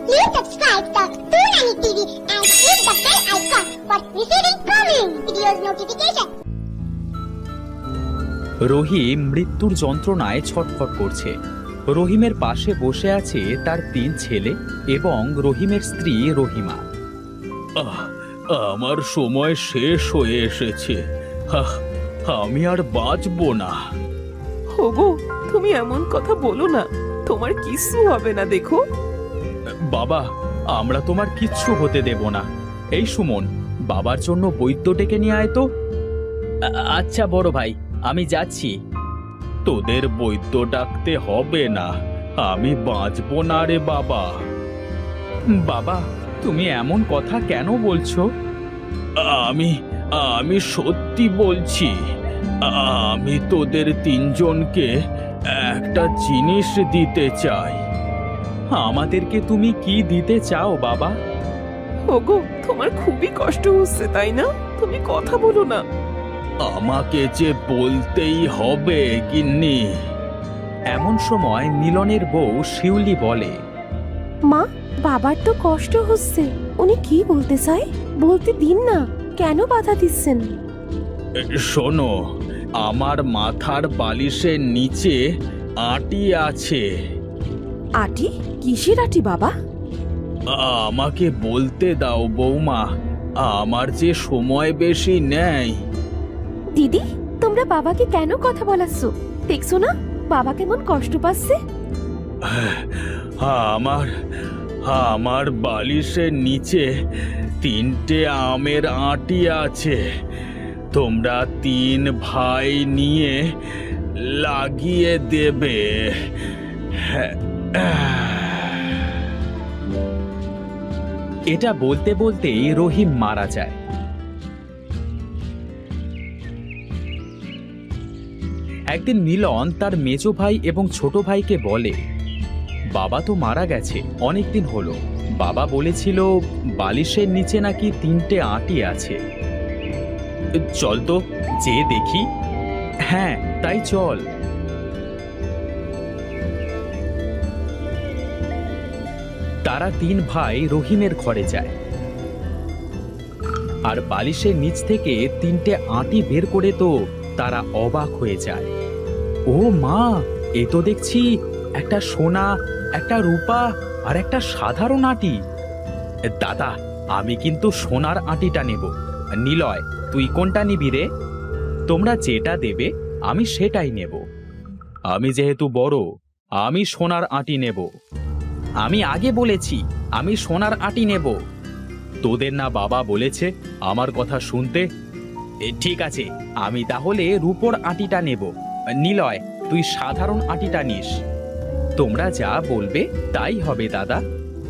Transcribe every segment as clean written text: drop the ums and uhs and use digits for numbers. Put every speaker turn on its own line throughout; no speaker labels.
Please subscribe the Toonami TV and click the bell icon for receiving coming videos notification.
রহিম মৃত্যুর যন্ত্রণায় ছটফট করছে। রহিমের পাশে বসে আছে তার 3 ছেলে এবং রহিমের স্ত্রী রহিমা। আমার সময় শেষ হয়ে এসেছে, আমি আর বাঁচবো না।
ওগো, তুমি এমন কথা বলো না, তোমার কিচ্ছু হবে না। দেখো
বাবা, আমরা তোমার কিচ্ছু হতে দেব না। এই সুমন, বাবার জন্য বৈদ্য ডেকে নিয়ে আয় তো। আচ্ছা বড় ভাই, আমি যাচ্ছি। তোদের বৈদ্য ডাকতে হবে না, আমি বাঁচবো না রে বাবা। বাবা, তুমি এমন কথা কেন বলছো? আমি সত্যি বলছি। আমি তোদের 3 জনকে একটা জিনিস দিতে চাই। আমাদেরকে তুমি কি দিতে চাও বাবা?
ওগো, তোমার খুবই কষ্ট হচ্ছে তাই না? তুমি কথা বলো না।
আমাকে যে বলতেই হবে গিন্নি। এমন সময় মিলনের বউ শিউলি বলে,
মা, বাবার তো কষ্ট হচ্ছে, উনি কি বলতে চায় বলতে দিন না, কেন বাধা দিচ্ছেন?
শোনো, আমার মাথার বালিশের নিচে আটি আছে।
আটি? কিসের আটি বাবা?
আমাকে বলতে দাও বৌমা, আমার যে সময় বেশি নেই।
দিদি, তোমরা বাবাকে কেন কথা বলাচ্ছ? দেখছো না বাবা কেমন কষ্ট পাচ্ছে।
আমার বালিশের নিচে 3টে আমের আটি আছে। তোমরা 3 ভাই নিয়ে লাগিয়ে দেবে। এটা বলতে বলতেই রহিম মারা যায়। একদিন মিলন তার মেজো ভাই এবং ছোট ভাইকে বলে, বাবা তো মারা গেছে অনেকদিন হলো। বাবা বলেছিল বালিশের নিচে নাকি 3টে আটি আছে। চল তো যে দেখি। হ্যাঁ, তাই চল। তারা 3 ভাই রহিমের ঘরে যায় আর বালিশের নিচ থেকে 3টে আটি বের করে তো তারা অবাক হয়ে যায়। ও মা, এ তো দেখছি একটা সোনা, একটা রূপা আর একটা সাধারণ আটি। দাদা, আমি কিন্তু সোনার আটিটা নেব। নিলয়, তুই কোনটা নিবি রে? তোমরা যেটা দেবে আমি সেটাই নেব। আমি যেহেতু বড়, আমি সোনার আটি নেব। আমি আগে বলেছি আমি সোনার আটি নেব। তোদের না বাবা বলেছে আমার কথা শুনতে? ঠিক আছে, আমি তাহলে রূপোর আটিটা নেব। নিলয়, তুই সাধারণ আটিটা নিস। তোমরা যা বলবে তাই হবে দাদা।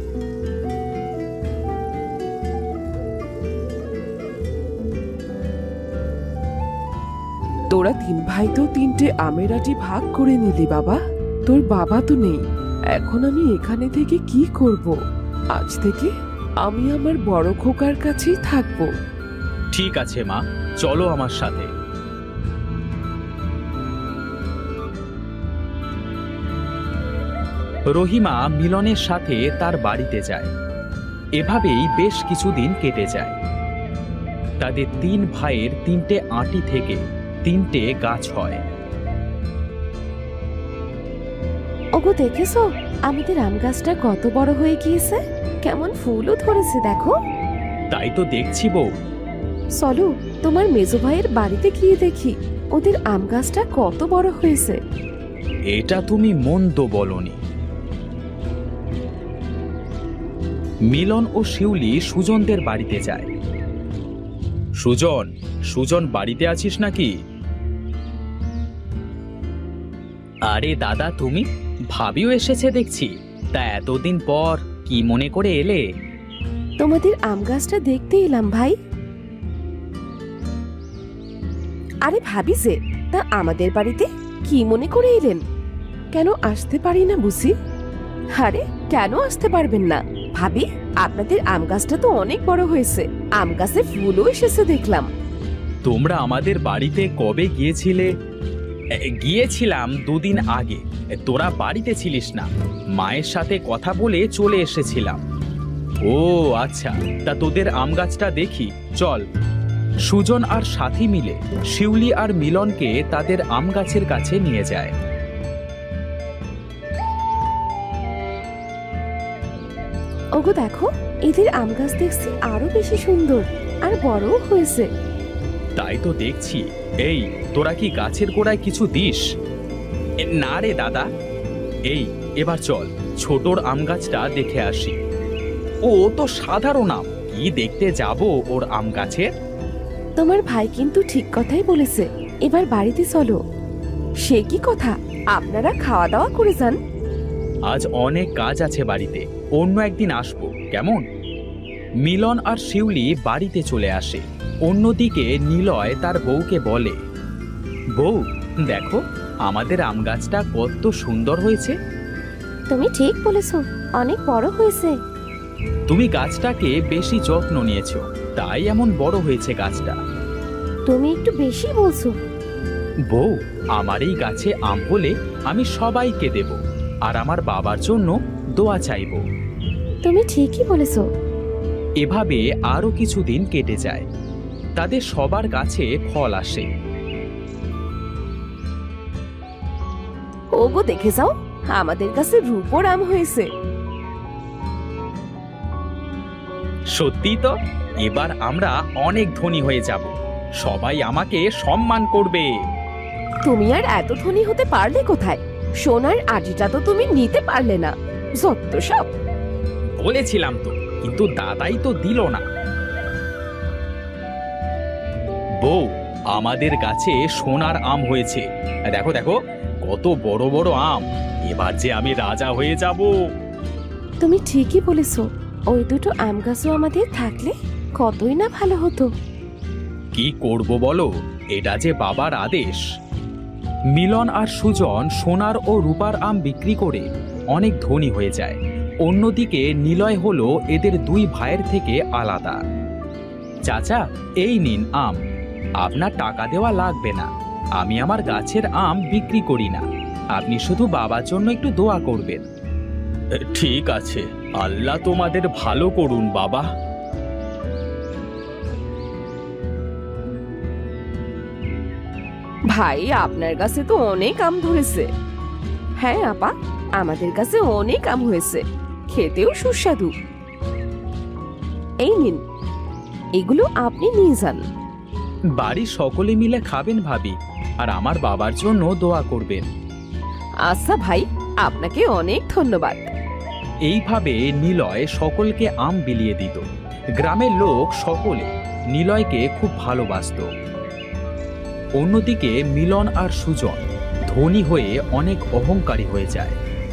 তোরা 3 ভাই তো 3টে আমের আটি ভাগ করে নিলি বাবা। তোর বাবা তো নেই, এখন আমি এখানে থেকে কি করব? আজ থেকে আমি আমার বড় খোকার কাছেই থাকবো।
ঠিক আছে মা, চলো আমার সাথে। রহিমা মিলনের সাথে তার বাড়িতে যায়। এভাবেই বেশ কিছুদিন কেটে যায়। তাদের 3 ভাইয়ের 3টে আটি থেকে 3টে গাছ হয়।
ওগো, দেখেছো আমাদের আম গাছটা কত বড় হয়ে গিয়েছে? কেমন ফুলও ধরেছে দেখো।
তাই তো দেখছি বউ।
চলো তোমার মেজো ভাইয়ের বাড়িতে গিয়ে দেখি ওদের আম গাছটা কত বড় হয়েছে।
এটা তুমি মন্দ বলনি। মিলন ও শিউলি সুজনদের বাড়িতে যায়। সুজন বাড়িতে আছিস নাকি? আরে দাদা, তুমি? ভাবিও এসেছে দেখছি। তা এতদিন পর কি মনে করে এলে?
তোমাদের আম গাছটা দেখতে এলাম ভাই। আরে ভাবি যে, তা আমাদের বাড়িতে কি মনে করে এলেন? কেন আসতে পারি না বুঝি? আরে কেন আসতে পারবেন না ভাবি, আপনাদের আম গাছটা তো অনেক বড় হয়েছে, আম গাছে ফুলও এসেছে দেখলাম।
তোমরা আমাদের বাড়িতে কবে গিয়েছিলে? গিয়েছিলাম দুদিন আগে। তোরা বাড়িতে ছিলিস না, মায়ের সাথে কথা বলে চলে এসেছিলাম। ও আচ্ছা, তা তোদের আম গাছটা দেখি চল। সুজন আর সাথী মিলে শিউলি আর মিলনকে তাদের আম গাছের কাছে নিয়ে যায়।
ওগো দেখো, এদের আম গাছ দেখছি আরো বেশি সুন্দর আর বড়ও হয়েছে।
তাই তো দেখছি। এই, তোরা কি গাছের গোড়ায় কিছু দিস? না রে দাদা। এই, এবার চল ছোটর আম গাছটা দেখে আসি। ও তো সাধারণ আম, কি দেখতে যাব ওর আম গাছের?
তোমার ভাই কিন্তু ঠিক কথাই বলেছে, এবার বাড়িতে চলো। সে কি কথা, আপনারা খাওয়া দাওয়া করে যান।
আজ অনেক কাজ আছে বাড়িতে, অন্য একদিন আসবো, কেমন? মিলন আর শিউলি বাড়িতে চলে আসে। অন্যদিকে নিলয় তার বউকে বলে, বউ দেখো আমাদের আম গাছটা কত সুন্দর হয়েছে।
তুমি ঠিক বলেছো, অনেক বড় হয়েছে।
তুমি গাছটাকে বেশি যত্ন নিয়েছো, তাই এমন বড় হয়েছে গাছটা।
তুমি একটু বেশি বলছো।
বউ, আমার এই গাছে আম হলে আমি সবাইকে দেব, আর আমার বাবার জন্য দোয়া চাইব।
তুমি ঠিকই বলেছো।
এভাবে আরো কিছুদিন কেটে যায়। তাদের সবার গাছে ফল আসে।
ওগো দেখে যাও, আমাদের কাছে রূপোর আম হয়েছে।
সত্যি তো, এবার আমরা অনেক ধনী হয়ে যাব, সবাই আমাকে সম্মান করবে।
তুমি আর এত ধনী হতে পারলে কোথায়? সোনার আটিটা তো তুমি নিতে পারলে না, যত সব।
বলেছিলাম তো, কিন্তু দাদাই তো দিল না। বউ, আমাদের গাছে সোনার আম হয়েছে, দেখো দেখো কত বড় বড় আম। এবার যে আমি রাজা হয়ে যাব।
তুমি ঠিকই বলেছো, ওই দুটো আম গাছও আমাদের থাকলে কতই না ভালো হতো।
কি করব বলো, এটা যে বাবার আদেশ। মিলন আর সুজন সোনার ও রূপার আম বিক্রি করে অনেক ধনী হয়ে যায়। অন্যদিকে নিলয় হলো এদের দুই ভাইয়ের থেকে আলাদা। চাচা, এই নিন আম, আপনার টাকা দেওয়া লাগবে না, আমি আমার গাছের আম বিক্রি করি না, আপনি শুধু বাবার জন্য একটু দোয়া করবেন। ঠিক আছে, আল্লাহ তোমাদের ভালো করুন বাবা।
ভাই, আপনার কাছে তো অনেক আম ধরেছে। হ্যাঁ আপা, আমাদের কাছে অনেক আম হয়েছে, খেতেও সুস্বাদু। এই নিন, এগুলো আপনি নিয়ে যান।
বাড়ির সকলে মিলে খাবেন ভাবি, আর আমার বাবার জন্য দোয়া করবেন।
আচ্ছা ভাই, আপনাকে অনেক ধন্যবাদ।
এইভাবে নিলয় সকলকে আম বিলিয়ে দিত। গ্রামের লোক সকলে নিলয়কে খুব ভালোবাসত। অন্যদিকে মিলন আর সুজন ধনী হয়ে অনেক অহংকারী হয়ে যায়।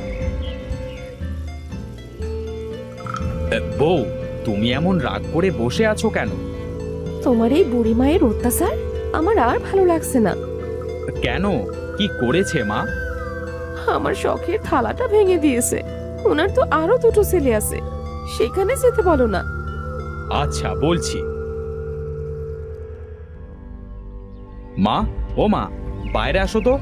বউ, তুমি এমন রাগ করে বসে আছো কেন?
তোমার এই বুড়ি মায়ের অত্যাচার আমার আর ভালো লাগছে না।
কেন, কি করেছে মা?
আমার শখের থালাটা ভেঙে দিয়েছে। ওনার তো আরো দুটো ছেলে আছে, সেখানে যেতে বলো না।
আচ্ছা বলছি। মা, ও মা, বাইরে আসো তো।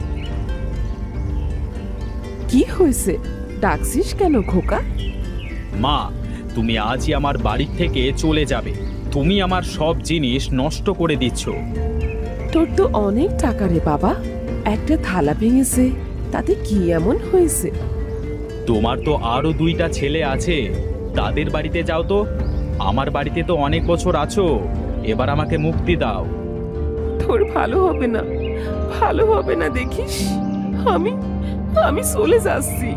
কি হয়েছে, ডাকছিস কেন খোকা?
মা, তুমি আজই আমার বাড়ি থেকে চলে যাবে। তুমি আমার সব জিনিস নষ্ট করে দিচ্ছ।
তোর তো অনেক টাকা রে বাবা, একটা থালা ভেঙেছে, তাতে কি এমন হয়েছে?
তোমার তো আরো দুইটা ছেলে আছে, তাদের বাড়িতে যাও তো। আমার বাড়িতে তো অনেক বছর আছো, এবার আমাকে মুক্তি দাও।
তোর ভালো হবে না, ভালো হবে না দেখিস। আমি আমি চলে যাচ্ছি।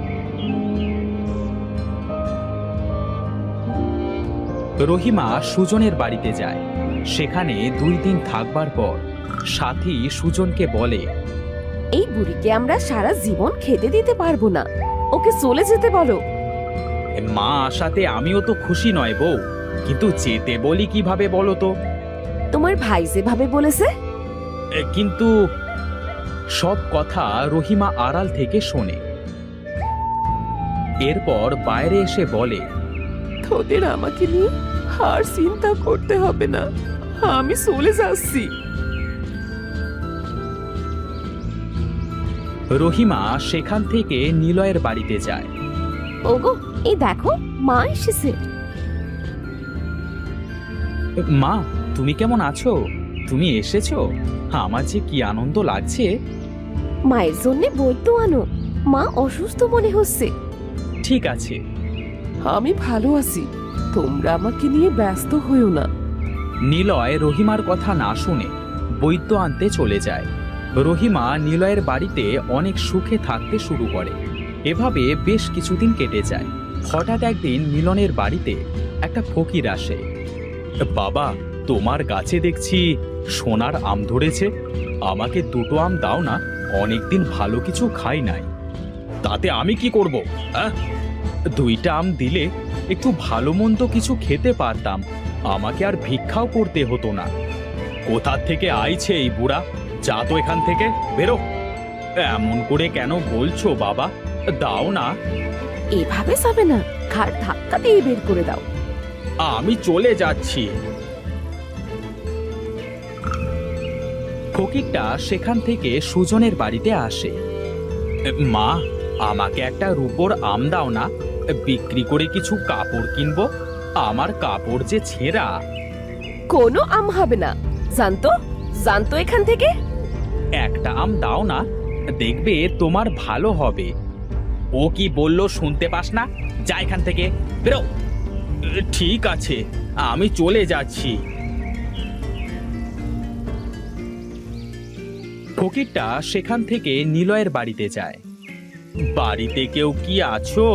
রহিমা সুজনের বাড়িতে যায়। সেখানে 2 দিন থাকবার পর সাথী সুজনকে বলে,
এই বুড়িকে আমরা সারা জীবন খেতে দিতে পারবো না, ওকে চলে যেতে বলো।
মা আসাতে আমিও তো খুশি নয় বউ, কিন্তু যেতে বলি কিভাবে বলো তো?
তোমার ভাই যেভাবে বলেছে।
কিন্তু সব কথা রহিমা আড়াল থেকে শোনে। এরপর বাইরে এসে বলে,
তোদের আমাকে নিয়ে আর চিন্তা করতে হবে না, আমি চলে যাচ্ছি।
রহিমা সেখান থেকে নিলয়ের বাড়িতে যায়।
ওগো, এই দেখো মা এসেছে।
মা, তুমি কেমন আছো? তুমি এসেছো? আমার যে কি আনন্দ লাগছে।
মায়ের জন্য বৈদ্য আনো, মা অসুস্থ মনে হচ্ছে।
ঠিক আছে।
আমি ভালো আছি, তোমরা আমাকে নিয়ে ব্যস্ত হইও না।
নিলয় রহিমার কথা না শুনে বৈদ্য আনতে চলে যায়। রহিমা নিলয়ের বাড়িতে অনেক সুখে থাকতে শুরু করে। এভাবে বেশ কিছুদিন কেটে যায়। হঠাৎ একদিন মিলনের বাড়িতে একটা ফকির আসে। বাবা, তোমার গাছে দেখছি সোনার আম ধরেছে, আমাকে দুটো আম দাও না, অনেকদিন ভালো কিছু খাই নাই। তাতে আমি কি করব? দুইটা আম দিলে একটু ভালো মন্দ কিছু খেতে পারতাম, আমাকে আর ভিক্ষাও করতে হতো না। কোথা থেকে আইছে এই বুড়া? যা তো এখান থেকে, বেরো। এমন করে কেন বলছো বাবা? দাও না।
এভাবে যাবে না, ঘাড় ধাক্কা দিয়ে বের করে দাও।
আমি চলে যাচ্ছি। ফকিরটা সেখান থেকে সুজনের বাড়িতে আসে। মা, আমাকে একটা রূপোর আম দাও না, বিক্রি করে কিছু কাপড় কিনবো, আমার কাপড় যে ছেঁড়া।
কোনো আম হবে না, জানতো জানতো এখান থেকে।
একটা আম দাও না, দেখবে তোমার ভালো হবে। ও কি বললো শুনতে পাস না? যা এখান থেকে, বেরো। ঠিক আছে, আমি চলে যাচ্ছি। ফকিরটা সেখান থেকে নিলয়ের বাড়িতে যায়। বাড়িতে কেউ কি আছো?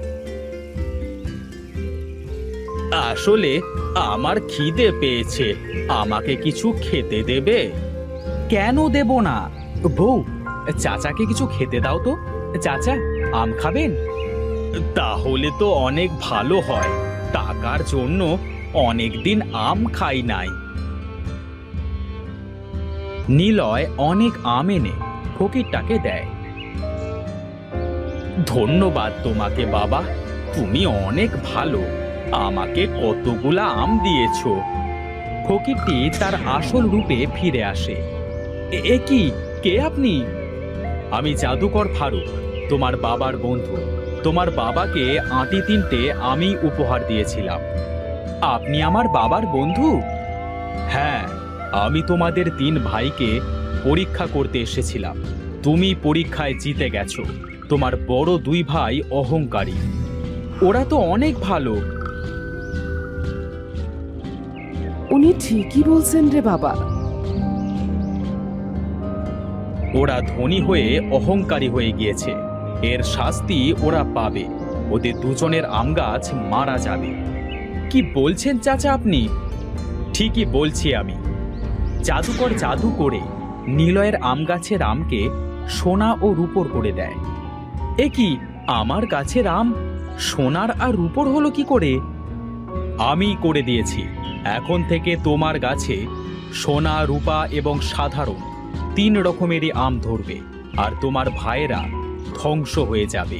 আসলে আমার খিদে পেয়েছে, আমাকে কিছু খেতে দেবে? কেন দেব না? বউ, চাচাকে কিছু খেতে দাও তো। চাচা, আম খাবেন? তাহলে তো অনেক ভালো হয়, টাকার জন্য অনেকদিন আম খাই নাই। নিলয় অনেক আম এনে ফকিরটাকে দেয়। ধন্যবাদ তোমাকে বাবা, তুমি অনেক ভালো, আমাকে কতগুলা আম দিয়েছো। ফকিরটি তার আসল রূপে ফিরে আসে। এ কি, কে আপনি? আমি জাদুকর ফারুক, তোমার বাবার বন্ধু। তোমার বাবাকে আঁটি তিনটে আমি উপহার দিয়েছিলাম। আপনি আমার বাবার বন্ধু? হ্যাঁ, আমি তোমাদের 3 ভাইকে পরীক্ষা করতে এসেছিলাম। তুমি পরীক্ষায় জিতে গেছো। তোমার বড় 2 ভাই অহংকারী, ওরা তো অনেক ভালো।
উনি ঠিকই বলছেন রে বাবা।
ওরা ধনী হয়ে অহংকারী হয়ে গিয়েছে, এর শাস্তি ওরা পাবে। ওদের দুজনের আম গাছ মারা যাবে। কি বলছেন চাচা আপনি? ঠিকই বলছি আমি। জাদুকর জাদু করে নিলয়ের আম গাছের আমকে সোনা ও রূপোর করে দেয়। এ কি, আমার গাছের আম সোনার আর রূপোর হলো কি করে? আমি করে দিয়েছি। এখন থেকে তোমার গাছে সোনা, রূপা এবং সাধারণ 3 রকমেরই আম ধরবে, আর তোমার ভাইয়েরা ধ্বংস হয়ে যাবে।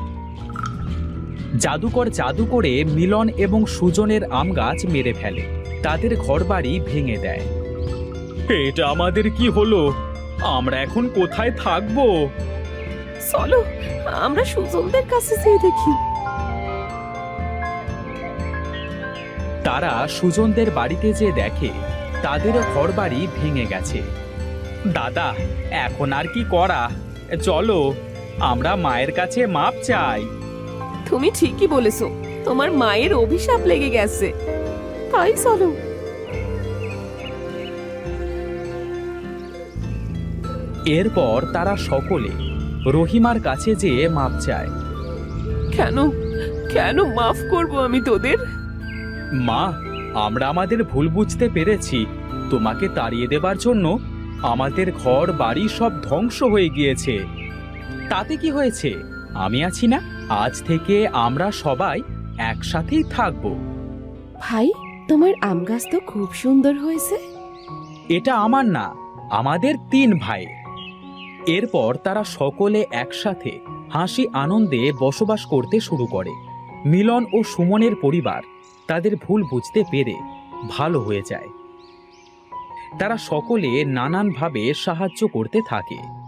জাদুকর জাদু করে মিলন এবং সুজনের আম গাছ মেরে ফেলে, তাদের ঘরবাড়ি ভেঙে দেয়। এটা আমাদের কি হলো? আমরা এখন কোথায় থাকবো?
চলো আমরা সুজনদের কাছে যেয়ে দেখি।
তারা সুজনদের বাড়িতে যেয়ে দেখে তাদেরও ঘরবাড়ি ভেঙে গেছে। দাদা, এখন আর কি করা? চলো, আমরা মায়ের কাছে মাপ চাই।
তুমি ঠিকই বলেছো, তোমার মায়ের অভিশাপ লেগে গেছে, তাই চলো।
এরপর তারা সকলে রহিমার কাছে যেয়ে মাপ চায়।
কেন কেন মাফ করব আমি তোদের?
মা, আমরা আমাদের ভুল বুঝতে পেরেছি। তোমাকে তাড়িয়ে দেবার জন্য আমাদের ঘর বাড়ি সব ধ্বংস হয়ে গিয়েছে। তাতে কি হয়েছে? আমি আছি না, আজ থেকে আমরা সবাই একসাথেই থাকবো।
ভাই, তোমার আম গাছ তো খুব সুন্দর হয়েছে।
এটা আমার না, আমাদের 3 ভাই। এরপর তারা সকলে একসাথে হাসি আনন্দে বসবাস করতে শুরু করে। মিলন ও সুমনের পরিবার তাদের ভুল বুঝতে পেরে ভালো হয়ে যায়। তারা সকলে নানানভাবে সাহায্য করতে থাকে।